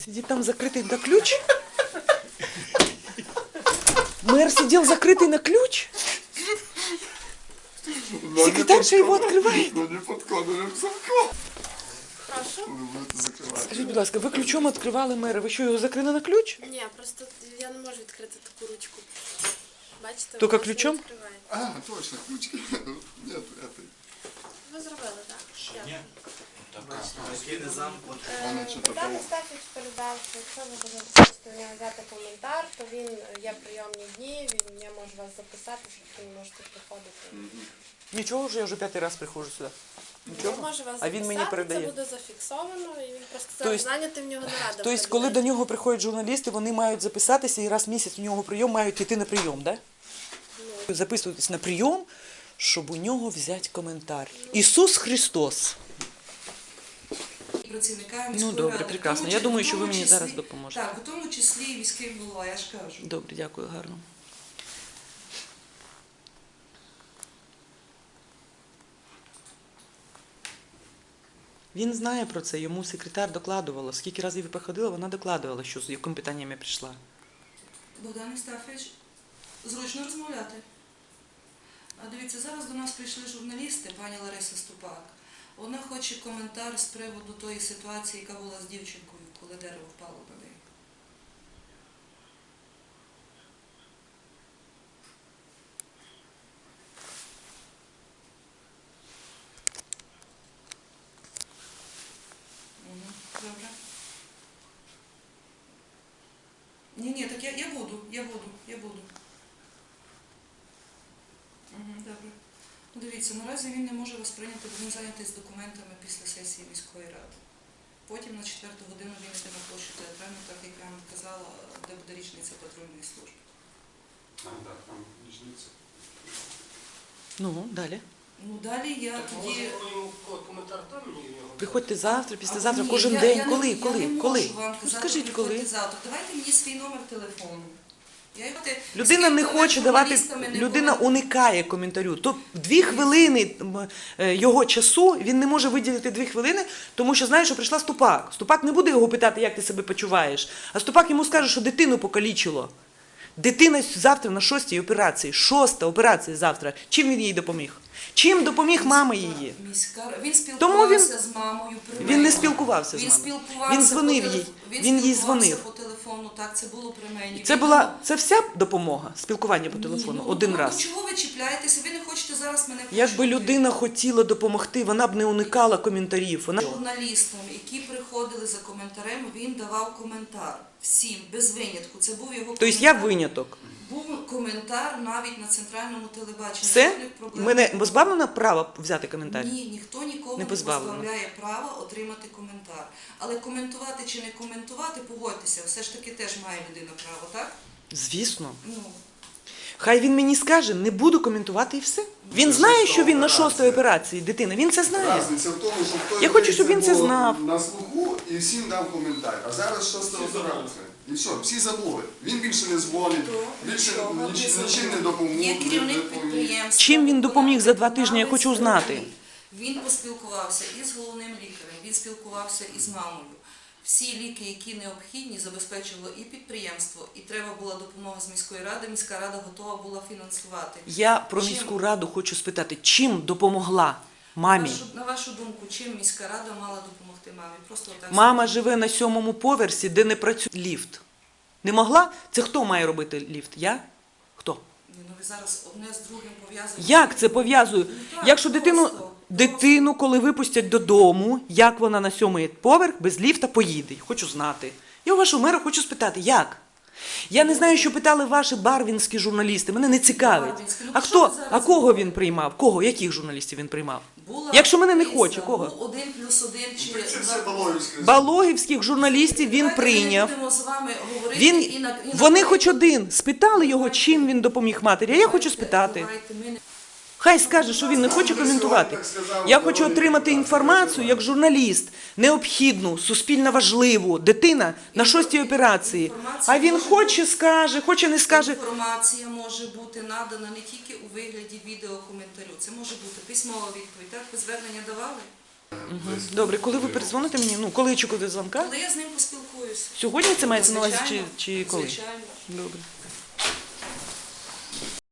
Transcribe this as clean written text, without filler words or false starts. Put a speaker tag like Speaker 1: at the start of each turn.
Speaker 1: Сидит там закрытый на ключ? Мэр сидел закрытый на ключ? Секретарша его открывает.
Speaker 2: Ну не подкладываем замка.
Speaker 3: Прошу?
Speaker 2: Ви будете закривати.
Speaker 1: Скажіть, будь ласка, ви ключом відкривали мера, ви що, його закрили на ключ?
Speaker 3: Ні, просто я не можу відкрити таку ручку. Бачите?
Speaker 1: Тільки
Speaker 3: вона ж не
Speaker 1: ключом?
Speaker 3: відкриває.
Speaker 2: А, точно, ключики. Нет, этой.
Speaker 3: Ви зробили, так? Дякую.
Speaker 4: Такі не замкнуті.
Speaker 2: Вона что-то
Speaker 3: Богдан
Speaker 2: там.
Speaker 3: Остафович передав, що якщо ви хочете у нього взяти коментар, то він є прийомні дні, я можу вас записати, щоб ви можете приходити.
Speaker 1: Нічого вже, я вже 5-й раз приходжу сюди.
Speaker 3: Я
Speaker 1: Нічого?
Speaker 3: можу вас
Speaker 1: А він мені
Speaker 3: записати,
Speaker 1: передає.
Speaker 3: це буде зафіксовано, і він просто
Speaker 1: Тобто-
Speaker 3: зараз зайнятий, в нього нарада.
Speaker 1: Тобто, коли до нього приходять журналісти, вони мають записатися і раз в місяць у нього прийом, мають йти на прийом, так? Да? Записуватись на прийом, щоб у нього взяти коментар. Ісус Христос.
Speaker 5: Працівниками
Speaker 1: Ну,
Speaker 5: міської
Speaker 1: добре,
Speaker 5: ради.
Speaker 1: прекрасно.
Speaker 5: В тому
Speaker 1: Я
Speaker 5: числі-
Speaker 1: думаю, що ви
Speaker 5: в тому
Speaker 1: мені
Speaker 5: числі-
Speaker 1: зараз допоможете.
Speaker 5: Так, у тому числі і міський голова, я ж кажу.
Speaker 1: Добре, дякую, гарно. Він знає про це, йому секретар докладувала. Скільки разів я приходила, вона докладувала, що з якими питаннями прийшла.
Speaker 5: Богдан Остафович, зручно розмовляти. А дивіться, зараз до нас прийшли журналісти, пані Лариса Ступак. Вона хоче коментар з приводу тої ситуації, яка була з дівчинкою, коли дерево впало на неї. Добре. Ні, так я буду. Добре. Ну, дивіться, наразі він не може вас прийняти, бо він зайнятий з документами після сесії міської ради. Потім на 4-ту годину він йде на площу театральну, так як я вам казала, де буде річниця патрульної служби.
Speaker 2: А, так, там річниця.
Speaker 1: Ну, далі.
Speaker 5: Ну, далі я тоді...
Speaker 4: Коментар там і його.
Speaker 1: Приходьте завтра, післязавтра,
Speaker 5: Ні,
Speaker 1: кожен
Speaker 5: я
Speaker 1: день.
Speaker 5: не-
Speaker 1: Коли?
Speaker 5: я
Speaker 1: Коли?
Speaker 5: не
Speaker 1: Коли?
Speaker 5: можу вам
Speaker 1: Ну,
Speaker 5: казати,
Speaker 1: скажіть,
Speaker 5: приходьте
Speaker 1: коли?
Speaker 5: завтра. Давайте мені свій номер телефону.
Speaker 1: Людина не хоче давати, людина уникає коментарю. То 2 хвилини його часу, він не може виділити 2 хвилини, тому що знає, що прийшла Ступак. Ступак не буде його питати, як ти себе почуваєш, а Ступак йому скаже, що дитину покалічило. Дитина завтра на 6-й операції. 6-та операція завтра. Чим він їй допоміг? Чим допоміг мама її?
Speaker 5: Він
Speaker 1: Тому
Speaker 5: спілкувався з мамою.
Speaker 1: Він не спілкувався з
Speaker 5: Він
Speaker 1: мамою.
Speaker 5: спілкувався
Speaker 1: Він дзвонив
Speaker 5: по
Speaker 1: їй.
Speaker 5: телефону.
Speaker 1: Він їй
Speaker 5: спілкувався
Speaker 1: дзвонив.
Speaker 5: по телефону, так, це було при мені.
Speaker 1: Це вся допомога? Спілкування по телефону? Один раз?
Speaker 5: Чого ви чіпляєтеся? Ви не хочете зараз мене почути.
Speaker 1: Якби людина хотіла допомогти, вона б не уникала коментарів. Вона...
Speaker 5: Журналістам, які приходили за коментарем, він давав коментар. Всім, без винятку. Це був його
Speaker 1: Тобто я виняток.
Speaker 5: Був коментар навіть на центральному телебаченні.
Speaker 1: Все?
Speaker 5: Жодних проблем.
Speaker 1: Мене позбавлено права взяти коментар?
Speaker 5: Ні, ніхто нікого
Speaker 1: Не
Speaker 5: не
Speaker 1: позбавлено.
Speaker 5: позбавляє права отримати коментар. Але коментувати чи не коментувати, погодьтеся, все ж таки теж має людина право, так?
Speaker 1: Звісно.
Speaker 5: Ну,
Speaker 1: Хай він мені скаже, не буду коментувати і все. Він знає, що він на 6-й операції, дитина. Він це знає.
Speaker 2: Разниця в тому, що в той
Speaker 1: Я хочу,
Speaker 2: день
Speaker 1: щоб він це
Speaker 2: було
Speaker 1: знав.
Speaker 2: на слуху і всім дав коментар. А зараз 6-та операція. І все, всі забули. Він більше не дзвонить, більше нічим не допомог.
Speaker 5: є керівник підприємства.
Speaker 1: Чим він допоміг за 2 тижні, я хочу знати.
Speaker 5: Він поспілкувався із головним лікарем, він спілкувався із мамою. Всі ліки, які необхідні, забезпечувало і підприємство, і треба була допомога з міської ради. Міська рада готова була фінансувати.
Speaker 1: Я про
Speaker 5: Чим-
Speaker 1: міську раду хочу спитати, чим допомогла мамі?
Speaker 5: На вашу думку, чим міська рада мала допомогти мамі? Просто отак.
Speaker 1: Мама живе на 7-му поверсі, де не працює ліфт. Не могла? Це хто має робити ліфт? Я? Хто?
Speaker 5: Ну, ви зараз одне з другим пов'язуєте.
Speaker 1: Як це пов'язую?
Speaker 5: так,
Speaker 1: Якщо
Speaker 5: просто.
Speaker 1: дитину, коли випустять додому, як вона на 7-й поверх без ліфта поїде? Хочу знати. Я у вашого мера хочу спитати, як? Я не знаю, що питали ваші барвінські журналісти, мене не цікавить.
Speaker 5: Барвінські, ну,
Speaker 1: А
Speaker 5: що ви
Speaker 1: хто?
Speaker 5: зараз
Speaker 1: А кого
Speaker 5: говорите?
Speaker 1: він приймав? Кого? Яких журналістів він приймав?
Speaker 5: Була
Speaker 1: Якщо мене не
Speaker 5: криза,
Speaker 1: хоче, кого?
Speaker 5: був 1+1 чи...
Speaker 2: Це все Балоївське.
Speaker 1: Балогівських журналістів він
Speaker 5: Давайте
Speaker 1: прийняв.
Speaker 5: Ми будемо з вами говорити
Speaker 1: Він,
Speaker 5: і на...
Speaker 1: вони хоч один спитали його, чим він допоміг матері, а я хочу спитати.
Speaker 5: Давайте, ми не...
Speaker 1: Хай скаже, що він не хоче коментувати. Я хочу отримати інформацію як журналіст, необхідну, суспільно важливу. Дитина на 6-й операції. А він хоче скаже, хоче не скаже.
Speaker 5: Інформація може бути надана не тільки у вигляді відеокоментарю. Це може бути письмова відповідь. Так, ви звернення давали?
Speaker 1: Добре, коли ви передзвоните мені? Ну, коли очікуєте дзвонка?
Speaker 5: Коли я з ним поспілкуюся.
Speaker 1: Сьогодні це мається на увазі чи коли?
Speaker 5: Звичайно.
Speaker 1: Добре.